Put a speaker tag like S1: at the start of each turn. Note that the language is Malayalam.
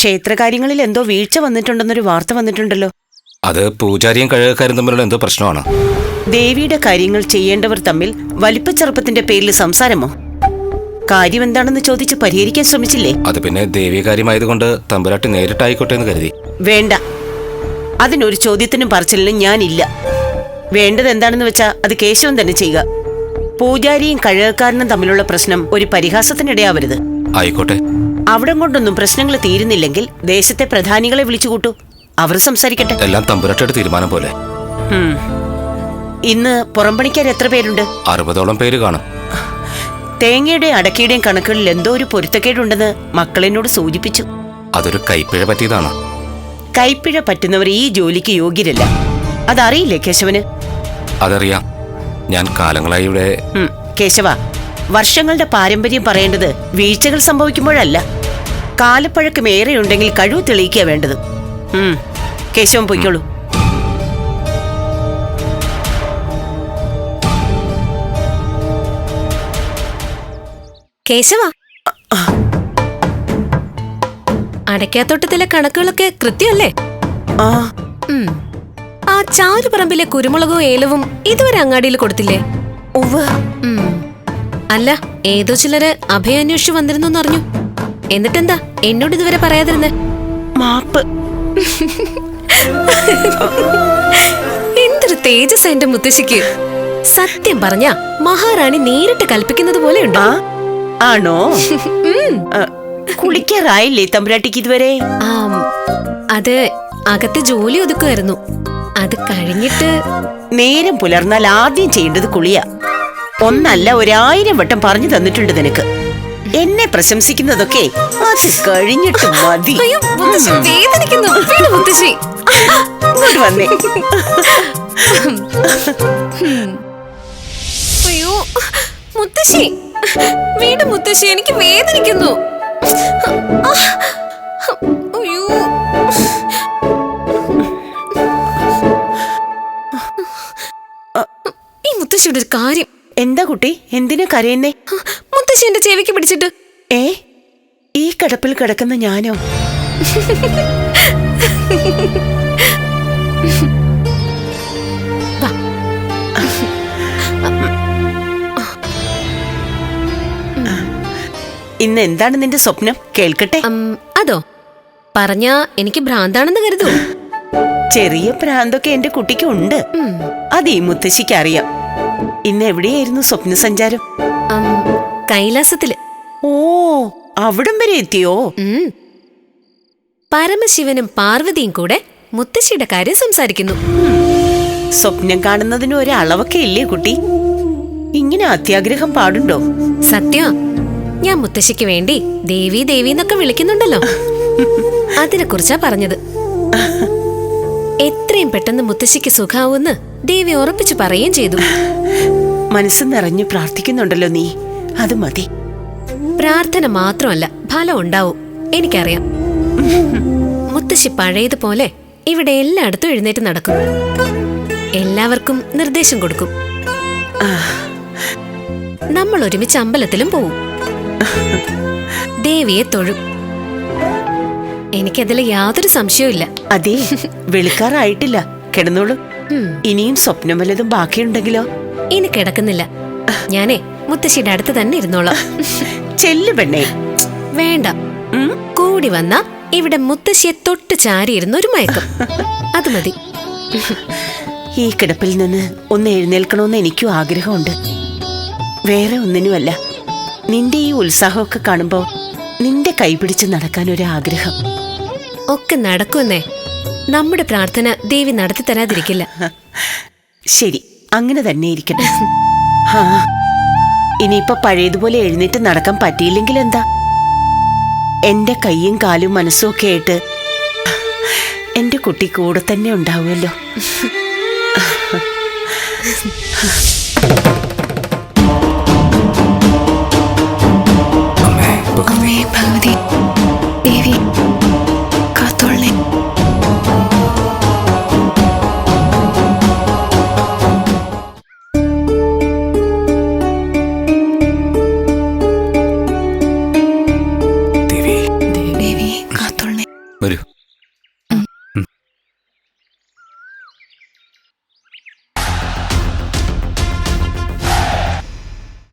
S1: ക്ഷേത്രകാര്യങ്ങളിൽ എന്തോ വീഴ്ച വന്നിട്ടുണ്ടെന്നൊരു വാർത്ത വന്നിട്ടുണ്ടല്ലോ.
S2: അത് പൂജാരിയും കഴുകക്കാരും തമ്മിലുള്ള എന്തോ പ്രശ്നമാണ്.
S1: ദേവിയുടെ കാര്യങ്ങൾ ചെയ്യേണ്ടവർ തമ്മിൽ വലിപ്പച്ചെറുപ്പത്തിന്റെ പേരിൽ സംസാരമോ? കാര്യം എന്താണെന്ന് ചോദിച്ച് പരിഹരിക്കാൻ ശ്രമിച്ചില്ലേ?
S2: അത് പിന്നെ ദേവീകാര്യമായതുകൊണ്ട് തമ്പുരാട്ടി നേരിട്ടായിക്കോട്ടെ എന്ന് കരുതി.
S1: വേണ്ട, അതിനൊരു ചോദ്യത്തിനും പറച്ചിലിനും ഞാനില്ല. വേണ്ടത് എന്താണെന്ന് വെച്ചാ അത് കേശവൻ തന്നെ ചെയ്യുക. പൂജാരിയും കഴുകക്കാരനും തമ്മിലുള്ള പ്രശ്നം ഒരു പരിഹാസത്തിനിടയാവരുത്.
S2: ആയിക്കോട്ടെ.
S1: അവിടം കൊണ്ടൊന്നും പ്രശ്നങ്ങൾ തീരുന്നില്ലെങ്കിൽ ദേശത്തെ പ്രധാനികളെ വിളിച്ചുകൂട്ടു, അവർ സംസാരിക്കട്ടെ.
S2: എല്ലാം തമ്പുരാട്ടിയുടെ തീരുമാനം പോലെ.
S1: ഇന്ന് പുറംപണിക്കാർ എത്ര പേരുണ്ട്?
S2: 60ഓളം പേര് കാണും.
S1: തേങ്ങയുടെയും അടക്കയുടെയും കണക്കുകളിൽ എന്തോ ഒരു പൊരുത്തക്കേടുണ്ടെന്ന് മക്കളെന്നോട് സൂചിപ്പിച്ചു.
S2: അതൊരു കൈപ്പിഴ പറ്റിയതാണ്.
S1: കൈപ്പിഴ പറ്റുന്നവർ ഈ ജോലിക്ക് യോഗ്യരല്ല. അതറിയില്ലേ കേശവന്?
S2: അതറിയാം. ഞാൻ കാലങ്ങളായി ഇവിടെ.
S1: കേശവ, വർഷങ്ങളുടെ പാരമ്പര്യം പറയേണ്ടത് വീഴ്ചകൾ സംഭവിക്കുമ്പോഴല്ല, കാലപ്പഴക്കം ഏറെയുണ്ടെങ്കിൽ കഴിവ് തെളിയിക്കുക വേണ്ടത്. കേശവൻ പൊയ്ക്കോളൂ.
S3: കേശവ, അടയ്ക്കാത്തോട്ടത്തിലെ കണക്കുകളൊക്കെ കൃത്യമല്ലേ? ആ ചാരുപറമ്പിലെ കുരുമുളകും ഏലവും ഇതുവരെ അങ്ങാടിയിൽ കൊടുത്തില്ലേ? അല്ല, ഏതോ ചിലര് അഭയാന്വേഷിച്ചു വന്നിരുന്നു അറിഞ്ഞു. എന്നിട്ടെന്താ എന്നോട് ഇതുവരെ പറയാതിരുന്നേ?
S1: മാപ്പ്.
S3: എന്തൊരു തേജസ് എന്റെ മുത്തശ്ശിക്ക്! സത്യം പറഞ്ഞ മഹാറാണി നേരിട്ട് കൽപ്പിക്കുന്നത് പോലെ ഉണ്ടോ?
S1: ആണോ? കുളിക്കാറായില്ലേ തമ്പുരാട്ടിക്ക് ഇതുവരെ?
S3: അത് അകത്തെ ജോലി ഒതുക്കുമായിരുന്നു. അത് കഴിഞ്ഞിട്ട്
S1: നേരം പുലർന്നാൽ ആദ്യം ചെയ്യേണ്ടത് കുളിയാ. ഒന്നല്ല 1000 വട്ടം പറഞ്ഞു തന്നിട്ടുണ്ട് നിനക്ക്. എന്നെ പ്രശംസിക്കുന്നതൊക്കെ അത് കഴിഞ്ഞിട്ട് മതി. വന്നേ.
S3: അയ്യോ മുത്തശ്ശി, വീട് മുത്തശ്ശി, എനിക്ക് വേദനിക്കുന്നു. അയ്യോ, ഈ മുത്തശ്ശിയുടെ ഒരു കാര്യം.
S1: എന്താ കുട്ടി, എന്തിനാ കരയുന്നേ?
S3: മുത്തശ്ശി എന്റെ ചെവിക്ക് പിടിച്ചിട്ട്.
S1: ഈ കിടപ്പിൽ കിടക്കുന്ന ഞാനോ? ഇന്ന് എന്താണ് നിന്റെ സ്വപ്നം? കേൾക്കട്ടെ.
S3: അതോ, പറഞ്ഞാ എനിക്ക് ഭ്രാന്താണെന്ന് കരുതൂ.
S1: ചെറിയ ഭ്രാന്തൊക്കെ എന്റെ കുട്ടിക്ക് ഉണ്ട്. അത് ഈ മുത്തശ്ശിക്ക് അറിയാം. ഇന്ന് എവിടെയായിരുന്നു സ്വപ്ന സഞ്ചാരം?
S3: കൈലാസത്തില്.
S1: ഓ, അവിടം വരെ എത്തിയോ?
S3: പരമശിവനും പാർവതിയും കൂടെ മുത്തശ്ശിയുടെ കാര്യം സംസാരിക്കുന്നു.
S1: സ്വപ്നം കാണുന്നതിന് ഒരു അളവൊക്കെ ഇല്ലേ കുട്ടി? ഇങ്ങനെ അത്യാഗ്രഹം പാടുണ്ടോ?
S3: സത്യം, ഞാൻ മുത്തശ്ശിക്ക് വേണ്ടി ദേവി ദേവി എന്നൊക്കെ വിളിക്കുന്നുണ്ടല്ലോ, അതിനെ കുറിച്ചാ പറഞ്ഞത്. എത്രയും പെട്ടെന്ന് മുത്തശ്ശിക്ക് സുഖാവൂന്ന് ദേവി ഉറപ്പിച്ചു പറയുകയും ചെയ്തു.
S1: മനസ്സ് നിറഞ്ഞു പ്രാർത്ഥിക്കുന്നുണ്ടല്ലോ നീ, അത് മതി.
S3: പ്രാർത്ഥന മാത്രമല്ല, ഫലം ഉണ്ടാവും, എനിക്കറിയാം. മുത്തശ്ശി പഴയതുപോലെ ഇവിടെ എല്ലായിടത്തും എഴുന്നേറ്റ് നടക്കും, എല്ലാവർക്കും നിർദ്ദേശം കൊടുക്കും. നമ്മൾ ഒരുമിച്ച് അമ്പലത്തിലും പോവും, ദേവിയെ തൊഴും. എനിക്കതിൽ യാതൊരു സംശയവും ഇല്ല.
S1: അതെ, വെളുക്കാറായിട്ടില്ല, കിടന്നോളൂ. ഇനിയും സ്വപ്നം വല്ലതും ബാക്കിയുണ്ടെങ്കിലോ?
S3: ഇനി കിടക്കുന്നില്ല, ഞാനേ മുത്തശ്ശിയുടെ അടുത്ത് തന്നെ ഇരുന്നോളാം.
S1: ചെല്ലു പെണ്ണേ.
S3: വേണ്ട, കൂടി വന്ന ഇവിടെ മുത്തശ്ശിയെ തൊട്ട് ചാരിയിരുന്ന ഒരു മയക്കം, അത് മതി.
S1: ഈ കിടപ്പിൽ നിന്ന് ഒന്ന് എഴുന്നേൽക്കണമെന്ന് എനിക്കും ആഗ്രഹമുണ്ട്. വേറെ ഒന്നിനുമല്ല, നിന്റെ ഈ ഉത്സാഹമൊക്കെ കാണുമ്പോ നിന്റെ കൈപിടിച്ച് നടക്കാൻ ഒരു ആഗ്രഹം.
S3: ഒക്കെ നടക്കുമെന്നേ, നമ്മുടെ പ്രാർത്ഥന ദേവി നടത്തി തരാതിരിക്കില്ല.
S1: ശരി, അങ്ങനെ തന്നെ ഇരിക്കട്ടെ. ഇനിയിപ്പൊ പഴയതുപോലെ എഴുന്നേറ്റ് നടക്കാൻ പറ്റിയില്ലെങ്കിൽ എന്താ? എന്റെ കൈയും കാലും മനസ്സും ഒക്കെ ആയിട്ട് എന്റെ കുട്ടി കൂടെ തന്നെ ഉണ്ടാവുമല്ലോ.
S2: അമ്മേ ഭഗവതി.